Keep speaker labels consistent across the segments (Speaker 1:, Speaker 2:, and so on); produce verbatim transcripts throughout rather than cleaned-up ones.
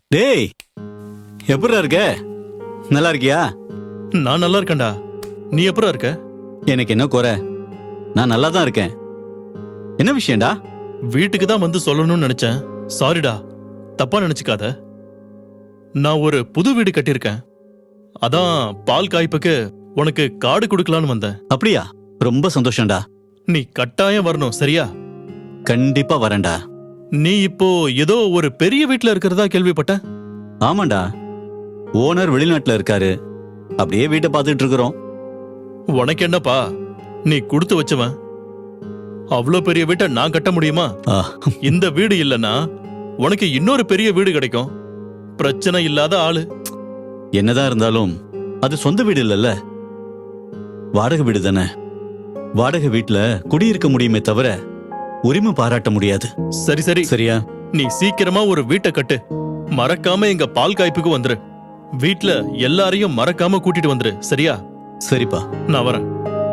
Speaker 1: டேய், எப்படிடா இருக்க? நல்லா இருக்கியா?
Speaker 2: நான் நல்லா இருக்கேன்டா. நீ எப்படா இருக்க?
Speaker 1: எனக்கு என்ன குறை? நான் நல்லா தான் இருக்கேன். என்ன விஷயம்டா?
Speaker 2: வீட்டுக்கு தான் வந்து சொல்லணும்னு நினைச்சேன். சாரிடா, தப்பா நினைச்சுக்காத. நான் ஒரு புது வீடு கட்டியிருக்கேன். அதான் பால் காய்ப்புக்கு உனக்கு கார்டு கொடுக்கலான்னு வந்தேன்.
Speaker 1: அப்படியா? ரொம்ப சந்தோஷம்டா.
Speaker 2: நீ கட்டாயம் வரணும், சரியா?
Speaker 1: கண்டிப்பா வரேன்டா.
Speaker 2: நீ இப்போ ஏதோ ஒரு பெரிய வீட்ல இருக்கிறதா கேள்விப்பட்டேன்.
Speaker 1: ஆமாண்டா, ஓனர் வெளிநாட்டுல இருக்காரு. அப்படியே வீட்டை பார்த்துட்டு இருக்கிறோம்.
Speaker 2: உனக்கு என்னப்பா, நீ கொடுத்து வச்சவன். அவ்வளோ பெரிய வீட்டை நான் கட்ட முடியுமா?
Speaker 1: ஆ,
Speaker 2: இந்த வீடு இல்லனா உனக்கு இன்னொரு பெரிய வீடு கிடைக்கும். பிரச்சனை இல்லாத ஆளு.
Speaker 1: என்னதான் இருந்தாலும் அது சொந்த வீடு இல்லல்ல, வாடகை வீடு தானே. வாடகை வீட்டுல குடியிருக்க முடியுமே தவிர உரிமை பாராட்ட முடியாது.
Speaker 2: சரி சரி,
Speaker 1: சரியா?
Speaker 2: நீ சீக்கிரமா ஒரு வீட்டை கட்டு. மறக்காம எங்க பால் காய்ப்புக்கு வந்துரு. வீட்ல எல்லாரையும் மறக்காம கூட்டிட்டு வந்துரு, சரியா?
Speaker 1: சரிப்பா.
Speaker 2: நான் வரேன்.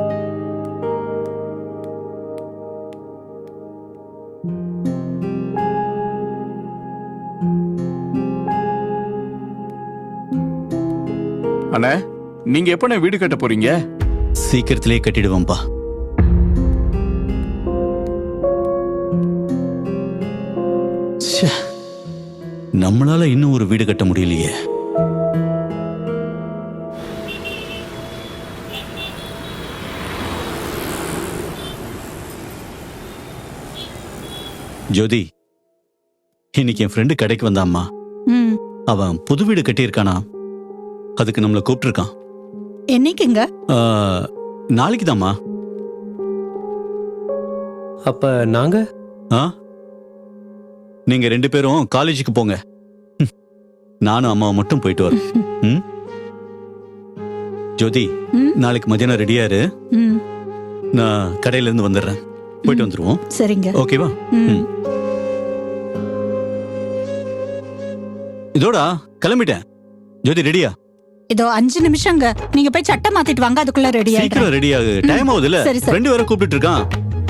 Speaker 3: அண்ணா, நீங்க எப்ப வீடு கட்ட போறீங்க?
Speaker 1: சீக்கிரத்திலே கட்டிடுவோம்பா. ச்சே, நம்மளால இன்னும் ஒரு வீடு கட்ட முடியலையே. ஜோதி, இன்னைக்கு என் ஃப்ரெண்டு கடைக்கு வந்தாம்மா.
Speaker 4: ம்.
Speaker 1: அவன் புது வீடு கட்டியிருக்கானா, அதுக்கு நம்மளை கூப்பிட்டுருக்கான்.
Speaker 4: என்னைக்குங்க?
Speaker 1: ஆ, நாளைக்கு தாம்மா.
Speaker 5: அப்ப நாங்க
Speaker 1: ஆ, நீங்க ரெண்டு பேரும் காலேஜுக்கு போங்க. ம், நானும் அம்மாவை மட்டும் போயிட்டு வரோம். ம்? ஜோதி,
Speaker 4: ம்.
Speaker 1: நாளைக்கு மதியானம் ரெடியா இரு.
Speaker 4: ம்.
Speaker 1: நான் கடையில இருந்து வந்துடுறேன். போயிட்டு வந்துருவோம்.
Speaker 4: சரிங்க.
Speaker 1: ஓகேவா?
Speaker 4: ம்.
Speaker 1: ம். இதோடா கிளம்பிட்டேன். ஜோதி, ரெடியா?
Speaker 4: இதோ அஞ்சு நிமிஷங்க. நீங்க போய் சட்டை மாத்திட்டு வாங்க, அதுக்குள்ள ரெடி ஆயிடுறேன்.
Speaker 1: சீக்கிரம் ரெடி ஆகு. டைம் ஆகுது இல்ல?
Speaker 4: சரி, சரி.
Speaker 1: ஃப்ரெண்டு வேற கூப்பிட்டு இருக்கான்.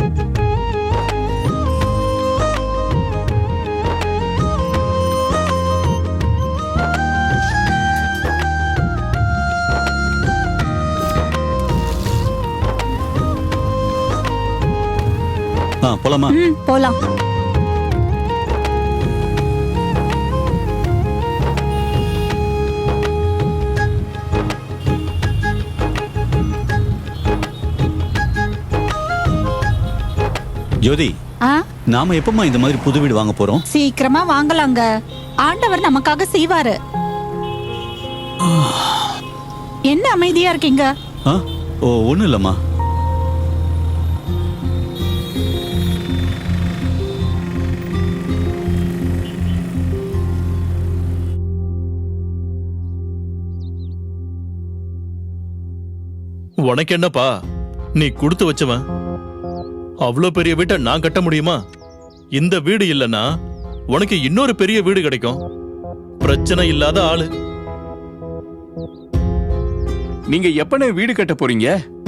Speaker 1: ஆ, போலாமா?
Speaker 4: ம், போலாம்.
Speaker 1: ஜோதி,
Speaker 4: ஆ,
Speaker 1: நாம எப்பமா இந்த மாதிரி புது வீடு வாங்க போறோம்?
Speaker 4: சீக்கிரமா வாங்கலாங்க. ஆண்டவர் நமக்காக செய்வாரு. என்ன அமைதியா இருக்கீங்க?
Speaker 1: ஆ, ஓ, ஒண்ணும் இல்லம்மா.
Speaker 2: உனக்கு என்னப்பா, நீ கொடுத்து வச்சவன். அவ்வளோ பெரிய வீட்டை நான் கட்ட முடியுமா? இந்த வீடு இல்லனா உனக்கு இன்னொரு பெரிய வீடு கிடைக்கும். பிரச்சனை இல்லாத ஆளு.
Speaker 3: நீங்க எப்ப வீடு கட்ட போறீங்க?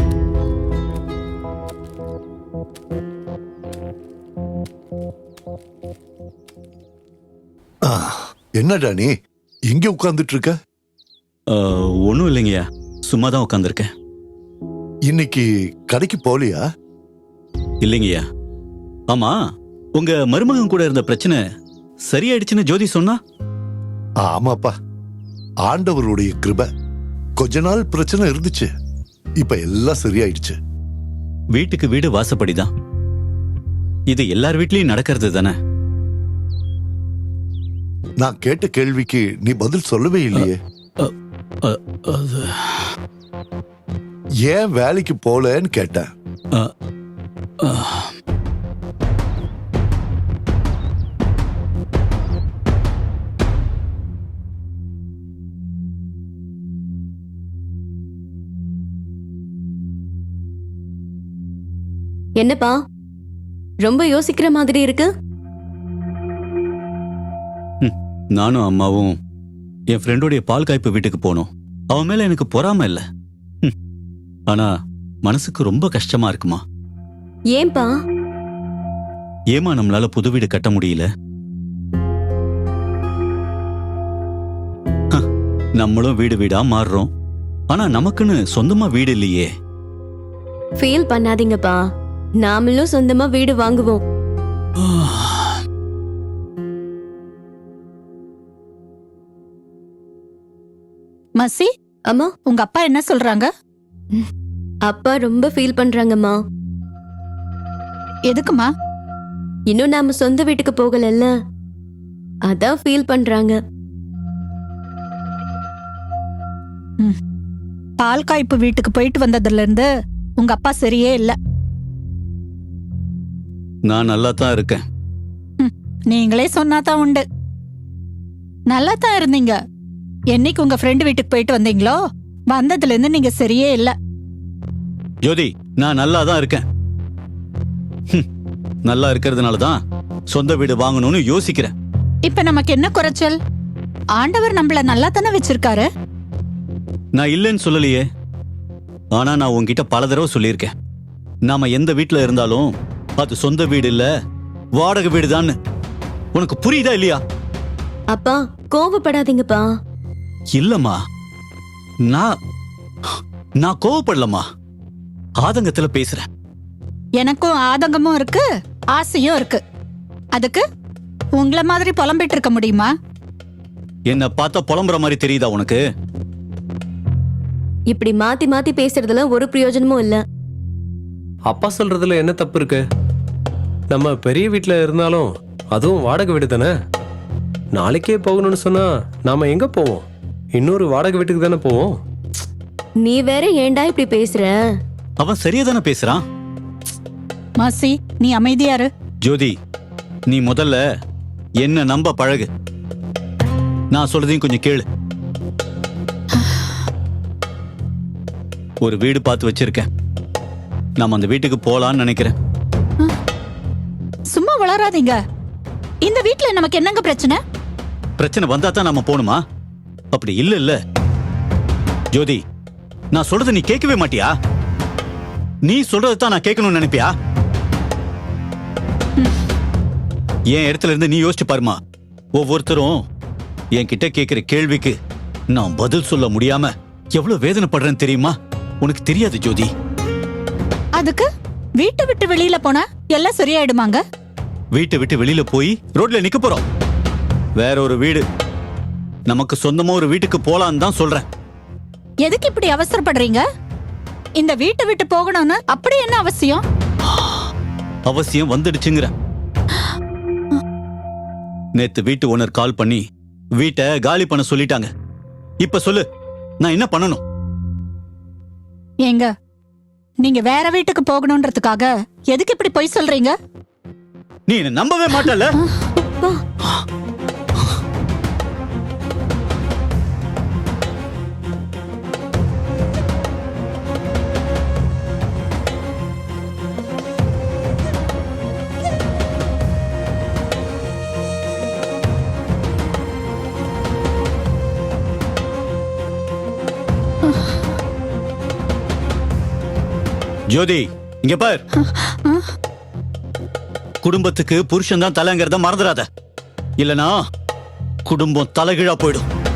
Speaker 6: என்னடா நீ இங்க உட்கார்ந்துட்டு இருக்க?
Speaker 1: ஆ, ஒண்ணும் இல்லைங்கய்யா, சும்மா தான் உட்காந்துருக்கேன்.
Speaker 6: இன்னைக்கு கடைக்கு போலியா?
Speaker 1: இல்லைங்கய்யா. ஆமா, உங்க மருமகன் கூட இருந்த பிரச்சனை சரியாயிடுச்சுன்னு ஜோதி சொன்னா?
Speaker 6: ஆமாப்பா, ஆண்டவருடைய கிருபை. கொஞ்ச நாள் பிரச்சனை இருந்துச்சு, இப்ப எல்லாம் சரியாயிடுச்சு.
Speaker 1: வீட்டுக்கு வீடு வாசப்படிதான். இது எல்லார் வீட்லயும் நடக்கிறது தானே.
Speaker 6: நான் கேட்ட கேள்விக்கு நீ பதில் சொல்லவே இல்லையே.
Speaker 1: அ, அது,
Speaker 6: ஏன் வேலைக்கு போலன்னு கேட்டேன்.
Speaker 1: அ, அ.
Speaker 7: என்னப்பா, ரொம்ப யோசிக்கிற மாதிரி இருக்கு.
Speaker 1: நானும் அம்மாவும் என் ஃப்ரெண்டோடைய பால் காய்ப்பு வீட்டுக்கு போனோம். அவன் மேல எனக்கு பொறாம இல்ல, ஆனா மனசுக்கு ரொம்ப கஷ்டமா இருக்குமா.
Speaker 7: ஏன்பா?
Speaker 1: ஏமா நம்மளால புது வீடு கட்ட முடியல? நம்மளும் வீடு வீடா மாறுறோம். ஆனா நமக்குன்னு சொந்தமா வீடு இல்லையே.
Speaker 7: ஃபீல் பண்ணாதீங்கப்பா, நாமளும் சொந்தமா வீடு வாங்குவோம்.
Speaker 4: மசி,
Speaker 7: அம்மா,
Speaker 4: உங்க அப்பா என்ன சொல்றாங்க?
Speaker 7: அப்பா ரொம்ப ஃபீல் பண்றாங்கம்மா.
Speaker 4: எதுக்குமா?
Speaker 7: இன்னும் நாம சொந்த வீட்டுக்கு போகலல்ல, அதான் ஃபீல் பண்றாங்க.
Speaker 4: பால் காய்ப்பு வீட்டுக்கு போயிட்டு வந்ததுல இருந்து உங்க அப்பா சரியே இல்ல.
Speaker 1: நான் நல்லா தான் இருக்கேன்.
Speaker 4: நீங்களே சொன்னாதான் உண்டு. நல்லா தான் இருந்தீங்க. என்னைக்கு உங்க ஃப்ரெண்டு வீட்டுக்கு போயிட்டு வந்தீங்களோ வந்ததுல இருந்து நீங்க சரியே இல்ல.
Speaker 1: ஜோதி, நான் நல்லா தான் இருக்கேன். ஹம், நல்லா இருக்கிறதுனால தான் சொந்த வீடு வாங்கணும்னு யோசிக்கிறேன்.
Speaker 4: இப்ப நமக்கு என்ன குறைச்சல்? ஆண்டவர் நம்மள நல்லா தானே வச்சிருக்காரு.
Speaker 1: நான் இல்லைன்னு சொல்லலையே. ஆனா நான் உன்கிட்ட பல தடவை சொல்லியிருக்கேன், நாம எந்த வீட்டுல இருந்தாலும் அது சொந்த வீடு இல்ல, வாடகை வீடுதான்னு. உனக்கு புரியுதா இல்லையா?
Speaker 7: அப்பா கோவப்படாதீங்கப்பா.
Speaker 1: இல்லம்மா, நான் நான் கோவப்படலம்மா, ஆதங்கத்துல பேசுறேன்.
Speaker 4: எனக்கும் ஆதங்கமும் இருக்கு, ஆசையும் இருக்கு. அதுக்கு உங்கள மாதிரி புலம்பிட்டு இருக்க முடியுமா?
Speaker 1: என்ன பார்த்தா புலம்புற மாதிரி தெரியுதா உனக்கு?
Speaker 7: இப்படி மாத்தி மாத்தி பேசுறதுல ஒரு பிரயோஜனமும் இல்ல.
Speaker 5: அப்பா சொல்றதுல என்ன தப்பு இருக்கு? நம்ம பெரிய வீட்டில் இருந்தாலும் அதுவும் வாடகை வீடு தானே. நாளைக்கே போகணும்னு சொன்னா நாம எங்க போவோம்? இன்னொரு வாடகை வீட்டுக்கு தானே போவோம்.
Speaker 7: நீ வேற ஏன்டா இப்படி பேசுற?
Speaker 1: அவன் சரியா தானே பேசுறான்.
Speaker 4: மாசி, நீ அமைதியாரு.
Speaker 1: ஜோதி, நீ முதல்ல என்ன நம்ப பழகு. நான் சொல்றதையும் கொஞ்சம் கேளு. ஒரு வீடு பார்த்து வச்சிருக்கேன். நாம அந்த வீட்டுக்கு போலான்னு நினைக்கிறேன்.
Speaker 4: சும்மா வளராதீங்க. இந்த வீட்ல நமக்கு என்னங்க பிரச்சனை?
Speaker 1: பிரச்சனை வந்தா தான் நாம போணுமா? அப்படி இல்ல இல்ல ஜோதி, நான் சொல்றதை நீ கேட்கவே மாட்டியா? நீ சொல்றதை தான் நான் கேட்கணும்னு நினைப்பியா? என் இடத்துல இருந்து நீ யோசிச்சு பாருமா. ஒவ்வொருத்தரும் என் கிட்ட கேட்கிற கேள்விக்கு நான் பதில் சொல்ல முடியாம எவ்வளவு வேதனைப்படுறேன்னு தெரியுமா? உனக்கு தெரியாது ஜோதி.
Speaker 4: அதுக்கு வீட்டை விட்டு வெளியில போனா எல்லாம் சரியாயிடுமாங்க?
Speaker 1: வீட்டை விட்டு வெளியில போய் ரோட்ல நிக்க போறோம். வேற ஒரு வீடு, நமக்கு சொந்தமா ஒரு வீட்டுக்கு போலான்னு தான் சொல்றேன்.
Speaker 4: எதுக்கு இப்படி அவசரப்படுறீங்க? இந்த வீட்டை விட்டு போகணும்னு அப்படி என்ன அவசியம்?
Speaker 1: அவசியம் வந்துடுச்சுங்கிற. நேத்து வீட்டு ஓனர் கால் பண்ணி வீட்டை காலி பண்ண சொல்லிட்டாங்க. இப்ப சொல்லு, நான் என்ன பண்ணணும்?
Speaker 4: ஏங்க, நீங்க வேற வீட்டுக்கு போகணும்ன்றதுக்காக எதுக்கு இப்படி பொய் சொல்றீங்க?
Speaker 1: நீ என்ன நம்பவே மாட்டல. ஜோதி, இங்க பார். குடும்பத்துக்கு புருஷன் தான் தலைங்கிறத மறந்துடாத. இல்லனா குடும்பம் தலைகீழா போயிடும்.